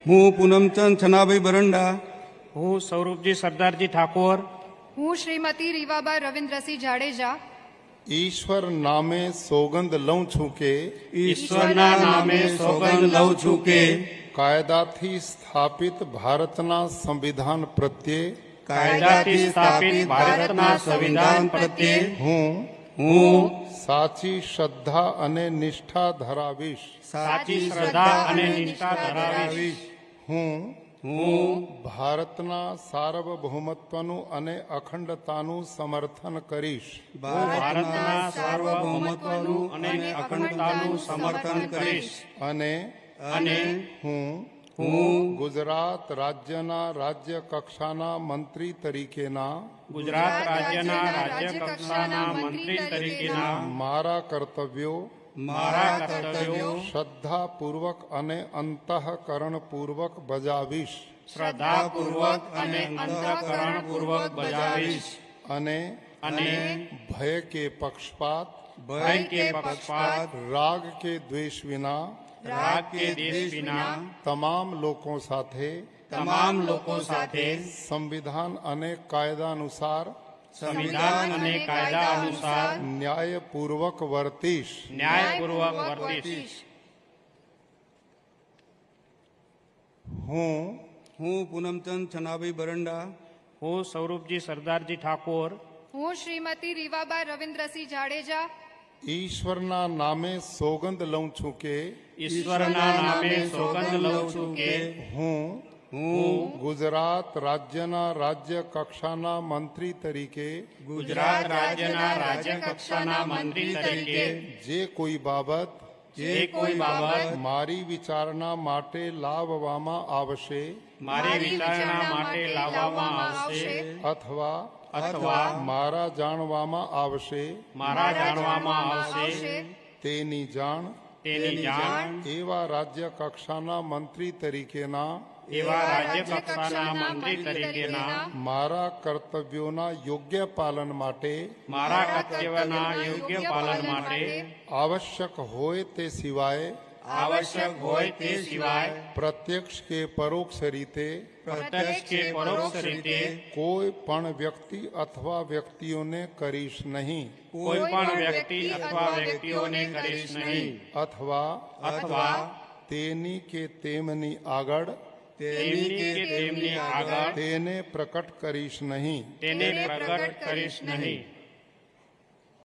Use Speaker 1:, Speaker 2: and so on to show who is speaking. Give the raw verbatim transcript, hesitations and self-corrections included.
Speaker 1: હું પૂનમચંદ છનાભાઈ બરંડા,
Speaker 2: હું સ્વરૂપજી સરદારજી ઠાકોર,
Speaker 3: હું શ્રીમતી રીવાબા રવિન્દ્રસિંહ જાડેજા
Speaker 4: ઈશ્વર નામે સોગંદ લઉં છું કે
Speaker 1: ઈશ્વરના નામે સોગંદ લઉં છું કે
Speaker 4: કાયદાથી સ્થાપિત ભારતના સંવિધાન પ્રત્યે
Speaker 2: કાયદાથી સ્થાપિત ભારતના સંવિધાન પ્રત્યે
Speaker 4: હું
Speaker 1: હું
Speaker 4: સાચી શ્રદ્ધા અને નિષ્ઠા ધરાવીશ.
Speaker 2: સાચી શ્રદ્ધા અને નિષ્ઠા ધરાવીશ.
Speaker 4: હું
Speaker 1: હું
Speaker 4: ભારતના સાર્વભૌમત્વનું અને અખંડતાનું સમર્થન કરીશ.
Speaker 2: ભારતના સાર્વભૌમત્વનું અને અખંડતાનું સમર્થન કરીશ.
Speaker 4: અને
Speaker 2: અને
Speaker 4: હું
Speaker 1: હું
Speaker 4: ગુજરાત રાજ્યના રાજ્ય કક્ષાના મંત્રી તરીકેના
Speaker 2: ગુજરાત રાજ્યના રાજ્ય કક્ષાના મંત્રી તરીકેના
Speaker 4: મારા કર્તવ્યો
Speaker 2: મારા કર્તવ્યો
Speaker 4: શ્રદ્ધાપૂર્વક અને અંતઃકરણપૂર્વક બજાવીશ.
Speaker 2: શ્રદ્ધાપૂર્વક અને અંતઃકરણપૂર્વક બજાવીશ.
Speaker 4: અને
Speaker 2: અને
Speaker 4: ભય કે પક્ષપાત
Speaker 2: ભય કે પક્ષપાત
Speaker 4: રાગ કે દ્વેષ વિના
Speaker 2: રાગ કે દેશ વિના
Speaker 4: તમામ લોકો સાથે
Speaker 2: તમામ લોકો સાથે
Speaker 4: સંવિધાન અને કાયદા અનુસાર
Speaker 2: સંવિધાન અને કાયદા અનુસાર
Speaker 4: ન્યાયપૂર્વક વર્તીશ.
Speaker 2: ન્યાયપૂર્વક વર્તીશ.
Speaker 4: હું
Speaker 1: હું પૂનમચંદ છનાભાઈ બરંડા,
Speaker 2: હું સ્વરૂપજી સરદારજી ઠાકોર,
Speaker 3: હું શ્રીમતી રીવાબા રવિન્દ્રસિંહ જાડેજા
Speaker 4: ઈશ્વરના નામે સોગંદ લઉં છું કે
Speaker 2: ઈશ્વરના નામે સોગંદ લઉં છું કે
Speaker 4: હું
Speaker 1: હું
Speaker 4: ગુજરાત રાજ્યના રાજ્ય કક્ષાના મંત્રી તરીકે
Speaker 2: ગુજરાત રાજ્યના રાજ્ય કક્ષાના મંત્રી તરીકે
Speaker 4: જે કોઈ બાબત
Speaker 2: જે કોઈ બાબત
Speaker 4: મારી વિચારણા માટે લાવવામાં આવશે
Speaker 2: મારી વિચારણા માટે લાવવામાં આવશે
Speaker 4: અથવા
Speaker 2: અથવા
Speaker 4: મારા જાણવામાં આવશે
Speaker 2: મારા જાણવામાં આવશે
Speaker 4: તેની જાણ
Speaker 2: તેની જાણ
Speaker 4: એવા રાજ્ય કક્ષાના મંત્રી તરીકેના
Speaker 2: એવા રાજ્ય કક્ષાના મંત્રી તરીકેના
Speaker 4: મારા કર્તવ્યોના યોગ્ય પાલન માટે
Speaker 2: મારા કર્તવ્યના યોગ્ય પાલન માટે
Speaker 4: આવશ્યક હોય તે સિવાય
Speaker 2: આવશ્યક હોય તે સિવાય
Speaker 4: પ્રત્યક્ષ કે પરોક્ષ રીતે
Speaker 2: પ્રત્યક્ષ કે પરોક્ષ રીતે
Speaker 4: કોઈ પણ વ્યક્તિ અથવા વ્યક્તિઓને કરીશ નહીં
Speaker 2: કોઈ પણ વ્યક્તિ અથવા વ્યક્તિઓને કરીશ નહીં
Speaker 4: અથવા
Speaker 2: અથવા
Speaker 4: તેની કે તેમની આગળ
Speaker 2: તેમની કે તેમની આગળ
Speaker 4: તેને પ્રકટ કરીશ નહીં.
Speaker 2: તેને પ્રગટ કરીશ નહીં.